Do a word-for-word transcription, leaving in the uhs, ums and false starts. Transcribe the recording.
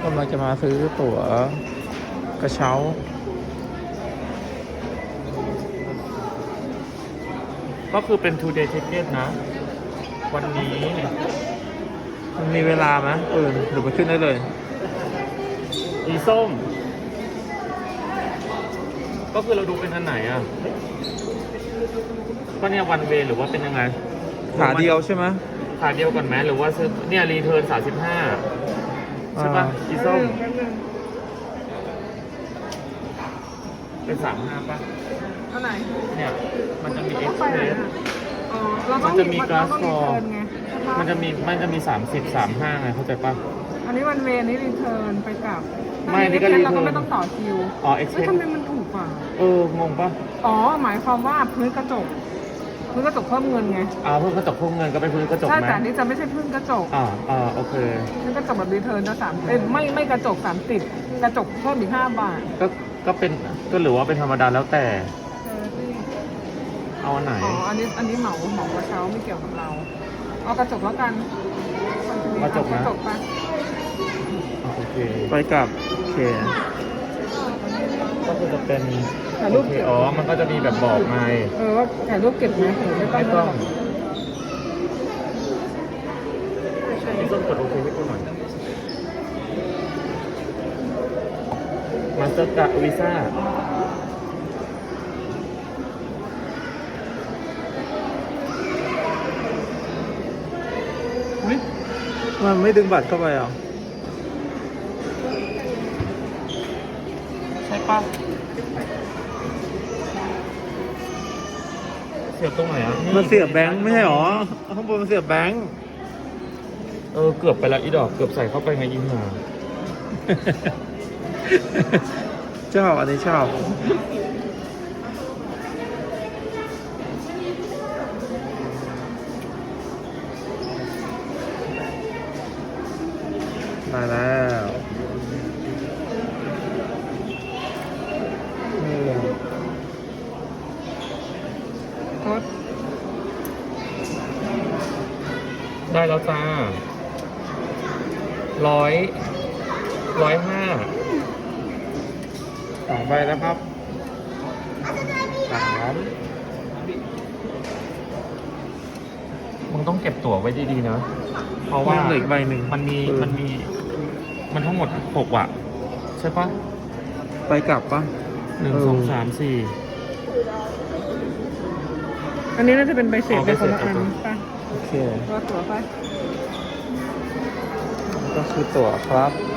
กำลังจะมาซื้อตั๋วกระเช้าก็คือเป็น two day ticket นะ วันนี้มันมีเวลาไหมเออหรือไปขึ้นได้เลยอีส้ม ก็คือเราดูเป็นอันไหนอ่ะ ก็เนี่ยวันเวหรือว่าเป็นยังไงขาเดียวใช่ไหมขาเดียวก่อนไหมหรือว่าซื้อเนี่ยรีเทิร์นสามสิบห้าใช่ปะอีส้ม เป็นสามห้าป่ะอันไหนเนี่ย มันจะมีเราเอ็ต้กองซ์ไปเพไหนรสอ่ะอ๋อเราต้มัองนจะมีเรา glass ต้องรี for เทิร์นไงใช่ปมันจะมีมันจะมีสามสิบ สามห้าไงเข้าใจป่ะอันนี้วันเวย์นี้รีเทิร์นไปกลับไม่นี่ก็ถ้า return เราก็ไม่ต้องต่อคิวอ๋อเฮ้ย express ทำไมมันถูกกว่าเอองงป่ะอ๋อ หมายความว่าพื้นกระจก พื้นกระจกเพิ่มเงินไงอ่าเพิ่มกระจกเพิ่มเงินก็ไปพื้นกระจกใช่ไหมแต่อันนี้จะไม่ใช่พื้นกระจกอ่าอ่าโอเคพื้นกระจกแบบรีเทิร์นจะสามเอ้ยไม่ไม่กระจกสามสิบกระจกเพิ่มอีกห้าบาทก็ก็เป็นก็หรือว่าเป็นธรรมดาแล้วแต่เออที่เอาอันไหนอ๋อ อันนี้อันนี้เหมาเหมากระเช้าไม่เกี่ยวกับเรา เอากระจกแล้วกันกระจกนะกระจกไปอ่าโอเคไปกลับโอเคก็คือจะเป็นถ่ายรูโอปเคเก็บอ๋อมันก็จะมีแบบบอกไงเออว่าถ่ายรูปเก็บไหมหรือไม่ต้องไม่ต้องใช่พี่ส้มกดโอเคให้กูหน่อยมาสเตอร์การ์ดวีซ่ามันไม่ดึงบัตรเข้าไปเหรอใช่ปะเสียบตรงไหนอ่ะมันเสียบแบงค์ไม่ใช่หรอข้างบนมันเสียบแบงค์เออเกือบไปแล้วอีดอกเกือบใส่เข้าไปไงยิงมาชอบอันนี้ชอบมาแล้วนี่โทษได้แล้วจ้าร้อยร้อยห้าสองใบแล้วครับสามมึงต้องเก็บตั๋วไว้ดีๆนะเพราะว่ายังเหลืออีกใบหนึ่งมันมีเออมันมีมันทั้งหมดหกอ่ะ ใช่ปะไปกลับปะหนึ่งเออสองสามสี่อันนี้น่าจะเป็นใบเสร็จอ๋อเป็นคนละใบอัเสร็นจป่ะโอเคตัวตัวไปก็คือตั๋วครับ